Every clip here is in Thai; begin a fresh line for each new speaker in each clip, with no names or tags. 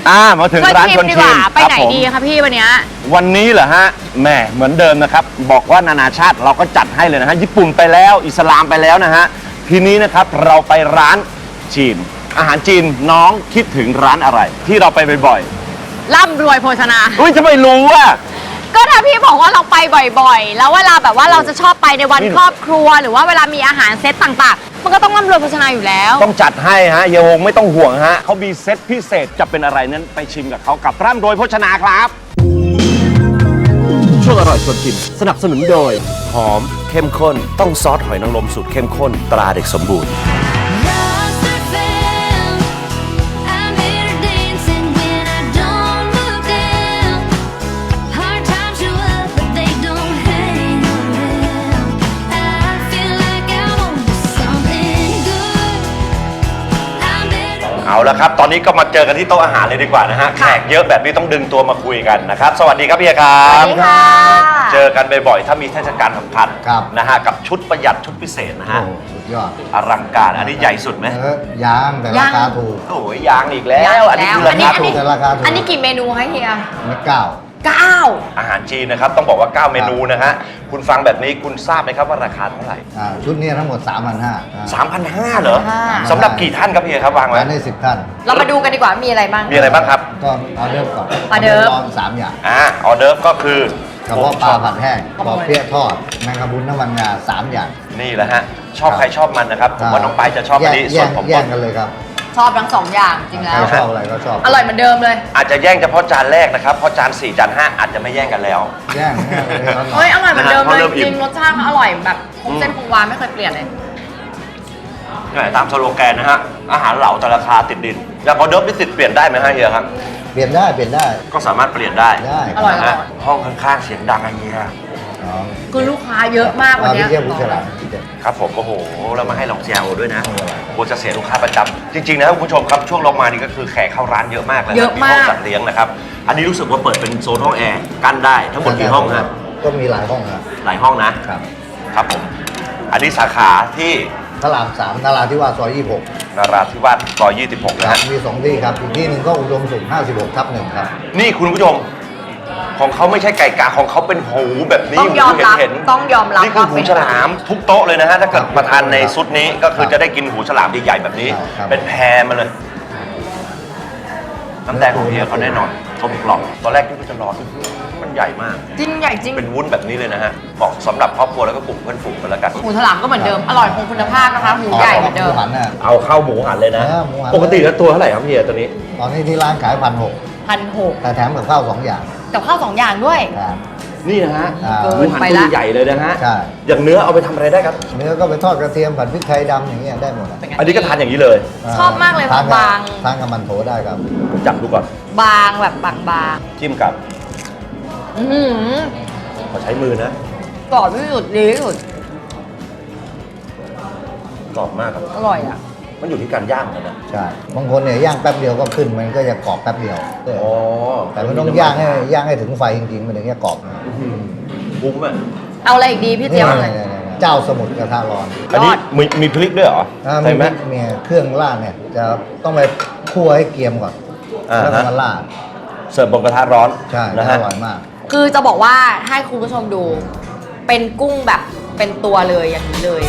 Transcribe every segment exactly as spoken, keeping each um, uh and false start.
อ่ามาถึงร้านชวนชิม
ไปไหนดีคะพี่วันนี้
วันนี้เหรอฮะแหมเหมือนเดิมนะครับบอกว่านานาชาติเราก็จัดให้เลยนะฮะญี่ปุ่นไปแล้วอิสลามไปแล้วนะฮะทีนี้นะครับเราไปร้านจีนอาหารจีนน้องคิดถึงร้านอะไรที่เราไปบ่อย
ๆร่ำรวยโภชนา
อุ้ยจะไม่รู้อ่ะ
ก็ถ้าพี่บอกว่าเราไปบ่อยๆแล้วเวลาแบบว่าเราจะชอบไปในวันครอบครัวหรือว่าเวลามีอาหารเซตต่างๆมันก็ต้องร่ำรวยโภชนาอยู่แล้ว
ต้องจัดให้ฮะเฮียฮงไม่ต้องห่วงฮะเขามีเซตพิเศษจะเป็นอะไรนั้นไปชิมกับเขากับร่ำรวยโภชนาครับช่วงอร่อยชวนชิมสนับสนุนโดยหอมเข้มข้นต้องซอสหอยนางรมสูตรเข้มข้นตราเด็กสมบูรณ์เอาละครับตอนนี้ก็มาเจอกันที่โต๊ะอาหารเลยดีกว่านะฮะแขกเยอะแบบนี้ต้องดึงตัวมาคุยกันนะครับสวัสดีครับพี่ครับ
สวัสดีค่ะ
เจอกันบ่อยๆถ้ามีเทศกาลสำคัญนะฮะกับชุดประหยัดชุดพิเศษนะฮะ
สุดยอด
อลังการอันนี้ใหญ่สุดไหม
ยางแต่ราคาถูก
โอ้ยยางอีกแล้วอันนี้คือราคาถูก
แต่ราคาถูก
อันนี้กี่เมนูคะเฮีย
นี่เก้า
เก้า
อาหารจีนนะครับต้องบอกว่าเก้าเมนูนะฮะคุณฟังแบบนี้คุณทราบไหมครับว่าราคาเท่าไหร่
ชุดนี้ทั้งหมด สามพันห้าร้อย
สามพันห้าร้อย เหรอสำหรับกี่ท่านครับพี่ครับวางไว้
ได้สิบท่าน
เรามาดูกันดีกว่ามีอะไรบ้าง
มีอะไรบ้างครับ
ก็ออเดิร์ฟก่อน
ออเดิร์ฟ
สามอย่าง
อ่าออเดิร์ฟก็คือก
ระเพาะปลาผัดแห้งปอเปี๊ยะทอดแมงกะพรุนน้ำมันงาสามอย่าง
นี่แหละฮะชอบใครชอบมันนะครับผมว่าน้องไปจะชอบอันนี้ส่วนผม
แย่งกันเลยครับ
ชอบทั้งสองอย่างจริงแล้ว
ชอบอะไรก็ชอบ
อร่อยเหมือนเดิมเลย
อาจจะแย่งเฉพาะจานแรกนะครับเพราะจานสี่จานห้าอาจจะไม่แย่งกันแล้ว
แย่ง
เฮ้ยอร่อยเหมือนเดิมเลยจริงรสชาติอร่อยแบบคงเส้นคงวาไม่เคยเปลี่ยนเลย
ตามสโลแกนนะฮะอาหารเหล่าแต่ราคาติดดินอย่างออเดิร์ฟนี่ติดเปลี่ยนได้ไหมฮะเฮียครับ
เปลี่ยนได้เปลี่ยนได้
ก็สามารถเปลี่ยนได้
ได้
อร่อยนะ
ห้องข้างๆเสียงดังอะไรเงี้ย
คือลูกค้าเยอะมากวันนี้
ครับผมโอ้โหเรามาให้ลองเซียโอด้วยนะโอ้จะเสียลูกค้าประจำจริงๆนะคุณผู้ชมครับช่วงลงมานี่ก็คือแขกเข้าร้านเยอะมากเลย
เยอะมาก
ห้องจัดเลี้ยงนะครับอันนี้รู้สึกว่าเปิดเป็นโซนห้องแอร์กั้นได้ทั้งหมดกี่ห้องฮะ
ก็มีหลายห้องครับ
หลายห้องนะครับครับผมอันนี้สาขาที่
ตลาดสามนาราธิวาสซอยยี่สิบหก
นาราธิวาสซอยยี่สิบหกนะฮะ
มีสองที่ครับอีกที่หนึ่งก็อุดมสุขห้าสิบหกทับหนึ่งครับ
นี่คุณผู้ชมของเขาไม่ใช่ไก่กาของเขาเป็นหูแบบนี้
ต้องยอมรับต้องยอมรับ
นี่คือหูฉลามทุกโต๊ะเลยนะฮะถ้าเกิดมาทานในซุดนี้ก็คือจะได้กินหูฉลามใหญ่ๆแบบนี้เป็นแพรมาเลยน้ำแดงของเฮียเขาแน่นอนเขากล่องตอนแรกที่เขาจะรอมันใหญ่มาก
จริงใหญ่จริง
เป็นวุ้นแบบนี้เลยนะฮะเหมาะสำหรับครอบครัวแล้วก็กลุ่มเพื่อนฝูงกันแล้วกัน
หูฉลามก็เหมือนเดิมอร่อยคงคุณภาพนะคะหมูใหญ่เหมือนเดิม
เอาเข้าหมูหันเลยนะปกติแล้วตัวเท่าไหร่ครับเฮียตัวนี้
ตอนนี้ที่ร้านขายพันหก
พันหก
แต่แถมกับข้าวสองอย่าง
กับข้าวสองอย่างด้วย
นี่นะฮะหมูหันตัวใหญ่เลยนะฮะ
ใช่
อย่างเนื้อเอาไปทำอะไรได้ครับ
เนื้อก็ไปทอดกระเทียมผัดพริกไทยดำอย่างเงี้ยได้หมด
อันนี้ก็ทานอย่างนี้เลย
ชอบมากเลยบาง
ทานกับมันโถได้ครับ
จับดูก่อน
บางแบบบางบาง
จิ้มกับ
อือ
ขอใช้มือนะ
กรอบที่สุดดีที่สุด
กรอบมากครับ
อร่อยอ่ะ
มันอยู่ที่การย่างนะ
ใช่บางคนเนี่ยย่างแป๊บเดียวก็ขึ้นมันก็จะกรอบแป๊บเดียว
อ๋อ
แต่มันต้องย่างให้ย่างให้ถึงไฟจริงๆมันถึงจะกรอบ
คุ้มอ่ะ
เอาอะไรอีกดีพี่เจี๊ยบอะไร
เจ้าสมุทรกระทะร้อน
อันนี้มีมีพริกด้วยเหรอ
ใช่ไหมมีเครื่องราดเนี่ยจะต้องไปคั่วให้เกรียมก่อนแล้วก็มาราด
เสิร์ฟบนกระทะร้อน
ใช่อร่อยมาก
คือจะบอกว่าให้คุณผู้ชมดูเป็นกุ้งแบบเป็นตัวเลยอย่างนี้เลย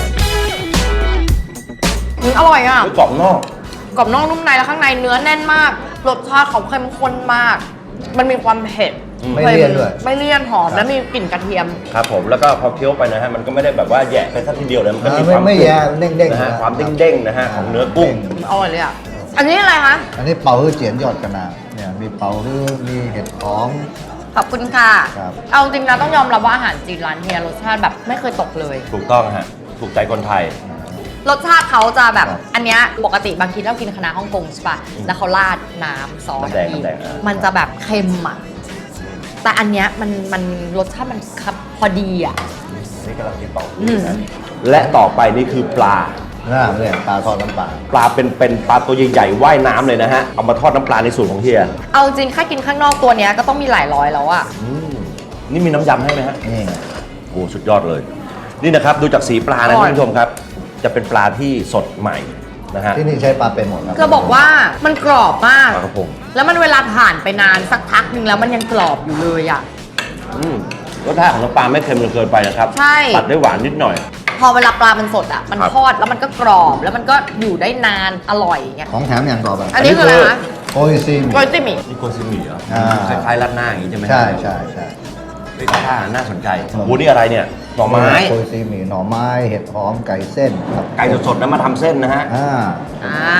อร่อยอ่ะ
กรอบนอก
กรอบนอกนุ่มในแล้วข้างในเนื้อแน่นมากรสชาติเขาเข้มข้นมากมันมีความเผ็ด
ไม่เลี่ยนด้วย
ไม่เลี่ยนหอมและมีกลิ่นกระเทียม
ครับผมแล้วก็พอเคี้ยวไปนะฮะมันก็ไม่ได้แบบว่าแยะไปสักทีเดียวเลยมันก็มีความ
ไม่แยะเด้งๆ
นะฮะความเด้งๆนะฮะของเนื้อกุ้ง
อร่อยเลยอ่ะอันนี้อะไรคะ
อันนี้เป่าฮื้อเจียนยอดกระนาเนี่ยมีเป่าฮื้อมีเห็ดหอม
ขอบคุณค่ะเอาจริงนะต้องยอมรับว่าอาหารจีนร้านเฮียรสชาติแบบไม่เคยตกเลย
ถูกต้องฮะถูกใจคนไทย
รสชาติเขาจะแบบอันเนี้ยปกติบางทีเรากินคณะฮ่องกงใช่ป่ะแล้วเขาราดน้ำซอสมันจะแบบเค็มอ่ะแต่อันเนี้ยมันมันรสชาติมันครับพอดีอ่ะ
นี่กำลังกินเป่าและต่อไปนี่คือปลา
น่าเนี่ยปลาทอดน้ำปลา
ปลาเป็นเป็นปลาตัวใหญ่ๆว่ายน้ำเลยนะฮะเอามาทอดน้ำปลาในสูตรของเฮีย
เอาจริงแค่กินข้างนอกตัวเนี้ยก็ต้องมีหลายร้อยแล้วอ่ะ
นี่มีน้ำยำให้ไหมฮะ
นี่
โอ้สุดยอดเลยนี่นะครับดูจากสีปลานะท่านผู้ชมครับจะเป็นปลาที่สดใหม่นะฮะ
ที่นี่ใช้ปลาเป็นหมดครับ
จะบอกว่ามันกรอบมาก
ปลากระพง
แล้วมันเวลาผ่านไปนานสักพักหนึ่งแล้วมันยังกรอบอยู่เลยอ่ะ
อืมรสชาติของน้ำปลาไม่เค็มจนเกินไปนะครับ
ใช่
ตัดด้วยหวานนิดหน่อย
พอเวลาปลามันสดอ่ะ มัน
ครับ
ทอดแล้วมันก็กรอบแล้วมันก็อยู่ได้นานอร่อยอย่างเงี้ย
ของแถมอย่างต่อไป
อันนี้คืออะไรคะ
โออิซิม
โกยจิมิ
นี่โกซิมิเหรอ
อ่า
คล้ายๆราดหน้าอย่างนี้ใช่ไหม
ใช่ใช่ใช่
เฮ้ยท่าน่าสนใจโอ้โหนี่อะไรเนี่ยหน่อไม้
โออิซิมีหน่อไม้เห็ดหอมไก่เส้นครับ
ไก่สดๆนะมาทำเส้นนะฮะ
อ่า
อ่า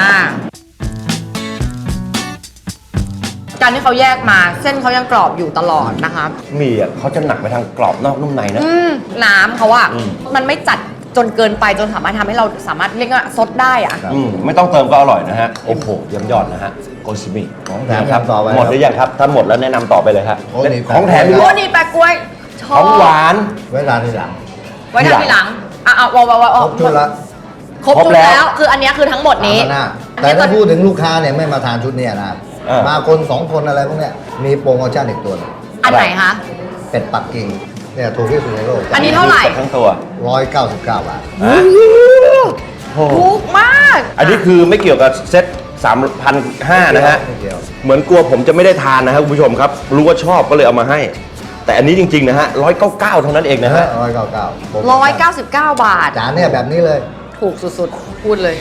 การที่เขาแยกมาเส้นเขายังกรอบอยู่ตลอดนะคะ
หมี่อ่ะเขาจะหนักไปทางกรอบนอกนุ่มในนะ
อืมน้ำเขาอะ
อืม
มันไม่จัดจนเกินไปจนสามารถทำให้เราสามารถเรียกว่าซดได้อะ
ครับ
อืมไม่ต้องเติมก็อร่อยนะฮะ โอ้โหเยี่ยมยอดนะฮะโกซิมิ
ของแถม
นะครับ
ต่อไป
หมดหรือยังครับ ถ้าหมดแล้วแนะนำต่อไปเลยครับ
โอ้นี่
ของแถมอีก
โอ้
แล้ว
นี่แปะกล้วยช
ข
อบ
องหวาน
ไว้ร้านที่หลัง
ไว้ทำทีหลังอ่ะเอาเอาเอาเอา
คร
เอา
บชุดละ
ครบ
ครบ
ชุด
แล้ว
แล้ว คืออันเนี้ยคือทั้งหมดนี้
ตามหน้า
อัน
แต่
เนี้ย
ถ้า
ก็
พูดถึงลูกค้าเนี่ยไม่มาทานชุดเนี้ยนะ
เออ
มาคนสองคนอะไรพวกเนี้ยมีโปรโมชั่นอีกตัวหนึง
อันไหนคะ
เป็ดปักกิ่งเนี่ยถูกที่สุดในโลก
อันนี้เท่าไหร่
ทั้งตัว
ร้อยเก้าสิบเก้าบาท
ฮะโอ้โห
ถูกมาก
อันนี้คือไม่เกี่ยวกับเซ็ตสามพันห้านะฮะ
ไม่เกี่ยว
เหมือนกลัวผมจะไม่ได้ทานนะครับคุณผู้ชมครับ รู้ว่าชอบก็เลยเอามาให้ แต่อันนี้จริง ๆ นะฮะร้อยเก้าเก้าเท่านั้นเองนะฮะ
ร้อยเก้าเก้า
ร้อยเก้าสิบเก้าบาท
จานเนี่ยแบบนี้เลย
ถูกสุดๆ พูดเลย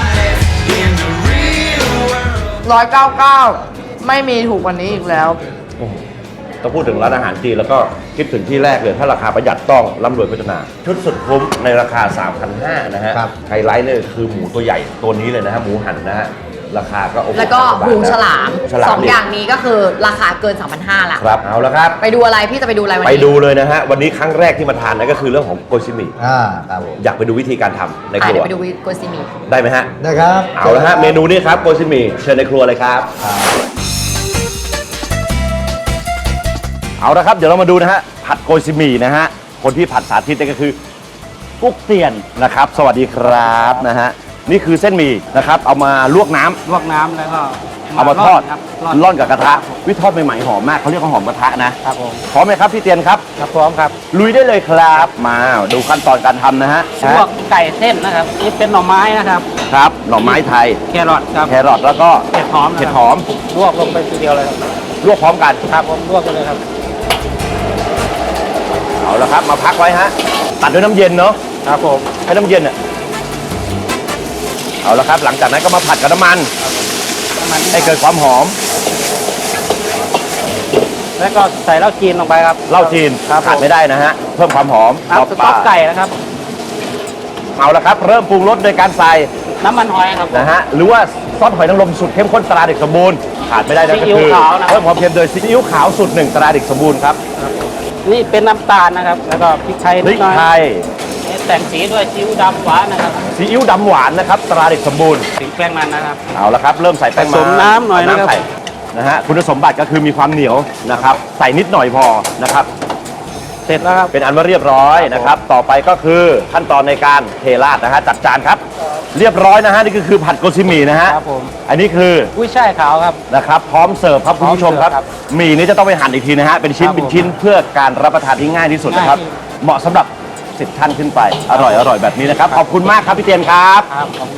ร้อยเก้าเก้าไม่มีถูกกว่านี้อีกแล้ว
ต้องพูดถึงร้านอาหารจีนแล้วก็คิดถึงที่แรกเลยถ้าราคาประหยัดต้องร่ำรวยโภชนา ชุดสุดคุ้มในราคา สามพันห้าร้อย นะฮะ
ครับ
ไฮไลท์เนี่ยคือหมูตัวใหญ่ตัวนี้เลยนะฮะหมูหันนะฮะราคาก็โอ้โห
แล้วก็
สามสิบบาท
หูฉลาม
ฉลาม
สอง
ดิ
อย่างนี้ก็คือราคาเกิน สามพันห้าร้อย ละ
ครับเอาละครับ
ไปดูอะไรพี่จะไปดูอะไรวัน
ไป
นี้
ดูเลยนะฮะวันนี้ครั้งแรกที่มาทานนั่นก็คือเรื่องของโกชิมิ
อ่าครับผม
อยากไปดูวิธีการทำในค
อ่ะ
รั
เดี๋ยว
ว
ไปดูโกซิมิ
ได้ไหมฮะ
นะครับ
เอาละฮะเมนูนี้ครับโกชิมิเชิญในครัวเลยครับ
อ่า
เอาละครับ เดี๋ยวเรามาดูนะฮะผัดโกซิมินะฮะคนที่ผัดสาธิตนี่ก็คือกุ๊กเตียนนะครับ สวัสดีครับนะฮะนี่คือเส้นหมี่นะครับ เอามาลวกน้ำ
ลวกน้ำแล้วก็
เอามาทอด
ครับ
ร่อนกับกระทะวิทอดใหม่ๆหอมมากเขาเรียกว่าหอมกระทะนะครับ
ผม
พร้อมไหมครับพี่เตียนครับ
ครับพร้อมครับ
ลุยได้เลยครับมาดูขั้นตอนการทำนะฮะ
ลวกไก่เส้นนะครับนี่เป็นหน่อไม้นะครับ
ครับหน่อไม้ไทย
แครอทครับ
แครอทแล้วก็
เห็ดหอมนะครับ
เห็ดหอม
ลวกลงไปทีเดียวเลยครับ
ลวกพร้อมกัน
ครับผมลวกกันเลยครับ
เอาละครับมาพักไว้ฮะตัดด้วยน้ำเย็นเนาะ
ครับผม
ให้น้ำเย็นอ่ะเอาละครับ หลังจากนั้นก็มาผัดกับน้ำมัน
น้ำมัน
ให้เกิดความหอม
แล้วก็ใส่เหล้าจีนลงไปครับ
เหล้าจีน
ครับ
ขาดไม่ได้นะฮะเพิ่มความหอม
ครับส
ป
ต๊
ลา
อกไก่นะครับ
เอาละครับ เริ่มปรุงรสโดยการใส่
น้ำมันหอยครับ
นะฮะหรือว่าซอสหอยนางรมสูตรเข้มข้นตราเด็กสมบูรณ์ขาดไม่ได้นะ
ซี
ก็
อิ๊ว
คือ
ขาวนะ
เพิ่มความเค็มโดยซีอิ๊วขาวสูตรหนึ่งตราเด็กสมบูรณ์ครับ
นี่เป็นน้ำตาลนะครับ แล้วก็พริกไทย
พ
นิ
ริ
ด
ก
หน่อย
ไทย
นี่แต่งสีด้วยซีอิ๊วดำหวานนะครับ
ซีอิ๊วดำหวานนะครับตราเด็กสมบูรณ์
ถึงแป้งมันนะครับ
เอาละครับ เริ่มใส่แป้ง
ผสมน้ำหน่อยนะครับ
ใส่นะฮะคุณสมบัติก็คือมีความเหนียวนะครับ ใส่นิดหน่อยพอนะครับ
เสร็จแล้วครับ
เป็นอันว่าเรียบร้อยนะครับ ต่อไปก็คือขั้นตอนในการเทราดนะฮะจัดจานครับ เรียบร้อยนะฮะนี่ก็คือผัดโกซิมินะฮะ
ครับผม
อันนี้คือ
กุ้ยช่ายขาวครับ
นะครับพร้อมเสิร์ฟครับคุณผู้ชมครับ
พร้อมเสิร์ฟครับ
หมี่นี้จะต้องไปหั่นอีกทีนะฮะเป็นชิ้น
ครับผม
เป็นชิ้นเพื่อการรับประทานที่ง่ายที่สุดนะครับ
ง่ายที่
เหมาะสำหรับสิบท่านขึ้นไปอร่อยอร่อยแบบนี้นะครับขอบคุณมากครับพี่เตียนครับ
ครับขอบคุณ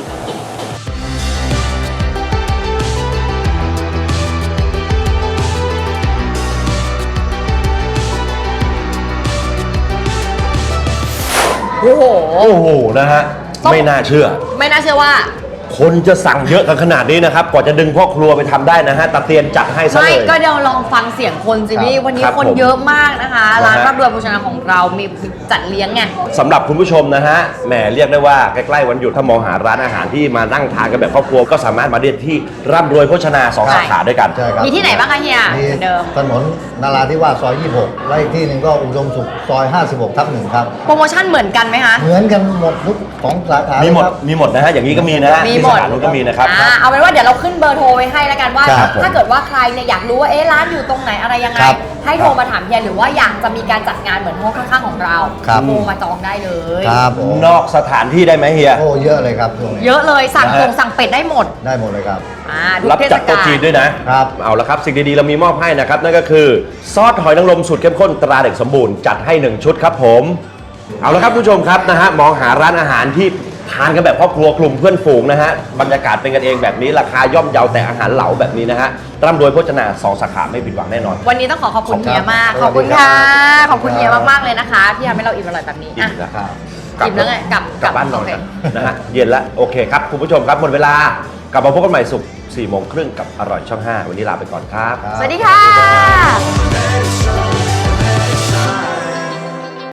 โอ้โห
โอ้โหนะฮะ
ต้อง
ไม่น่าเชื่อ
ไม่น่าเชื่อว่า
คนจะสั่งเยอะกันขนาดนี้นะครับกว่าจะดึงพ่อครัวไปทำได้นะฮะตาเตียนจัดให้ซะ
ไม่
เลย
ก็เดี๋ยวลองฟังเสียงคนสิพี่วันนี้
ครับ
คน
ผม
เยอะมากนะคะ
นะฮะ
ร้านรับรวยโภชนาของเรามีจัดเลี้ยงไง
สำหรับคุณผู้ชมนะฮะแหมเรียกได้ว่าใกล้ๆวันหยุดถ้ามองหาร้านอาหารที่มานั่งทานกันแบบครอบครัวก็สามารถมาได้ที่ร่ำรวยโภชนาสอง
ใช่
สาขาด้วยกัน
ใช่ครับ
มีที่ไหนบ้างคะเฮีย
มี
เหมือนเดิม
ถนนนาราธิวาสซอย ยี่สิบหก และอีกที่หนึ่งก็อุดมสุขซอย ห้าสิบหก ทับหนึ่งครับ
โปรโมชั่นเหมือนกันไหมคะ
เหมือนกันหมดทุกสองสาขา
มี
มี
หมดมีหมดนะฮะอย่างนี้ก็มีนะฮะ
มี
ที่
หม
สา
ด
ขานู้นก็มีนะครับ
อ่าเอาเป็นว่าเดี๋ยวเราขึ้นเบอร์โทรไว้ให้แล้วกันว่า
ครับผม
ถ้าเกิดว่าใครเนี่ยอยากรู้ว่าเอ๊ะร้านอยู่ตรงไหนอะไรยังไง
ครับ
ให้โทรมาถามเฮียหรือว่าอยากจะมีการจัดงานเหมือนห้องข้างๆของเรา
ครับ
โทรมาจองได้เลย
ครับผม
นอกสถานที่ได้ไหมเฮีย
โอ้เยอะเลยครับช่วงนี้
เยอะเลยสั่ง
นะฮะ
ตรงสั่งเป็ดได้หมด
ได้หมดเลยครับ
อ่าทุก
รับ
เทศ
จัดโต๊ะ
กาล
จีนด้วยนะครับ เอาละครับสิ่งดีๆเรามีมอบให้นะครับนั่นก็คือซอสหอยนางรมสูตรเข้มข้นตราเด็กสมบูรณ์จัดให้หนึ่งชุดครับผมเอาละครับผู้ชมครับนะฮะมองหาร้านอาหารที่ทานกันแบบครอบครัวกลุ่มเพื่อนฝูงนะฮะบรรยากาศเป็นกันเองแบบนี้ราคาย่อมเยาแต่อาหารเหลาแบบนี้นะฮะร่ำรวยโภชนาสองสาขาไม่ผิดหวังแน่นอน
วันนี้ต้องขอขอบคุณ
ขอบคุณ
เฮียมาก
ครับ
ขอบคุณค่ะ
สวัสดีครับ
ขอบคุณเฮียมากๆเลยนะคะ ที่ทำให้เราอิ่มอร่อยแบบนี้
อิ่
อ่ะ
มแล้ว
ครับ
อิ่มแล้วไงกลับ
กลับบ้านนอน
โอเค
กันนะฮะเย็นแล้วโอเคครับคุณผู้ชมครับหมดเวลากลับมาพบกันใหม่ศุกร์สี่โมงครึ่งกับอร่อยช่องห้าวันนี้ลาไปก่อนครับ
ครับ
สวัสดีค่ะ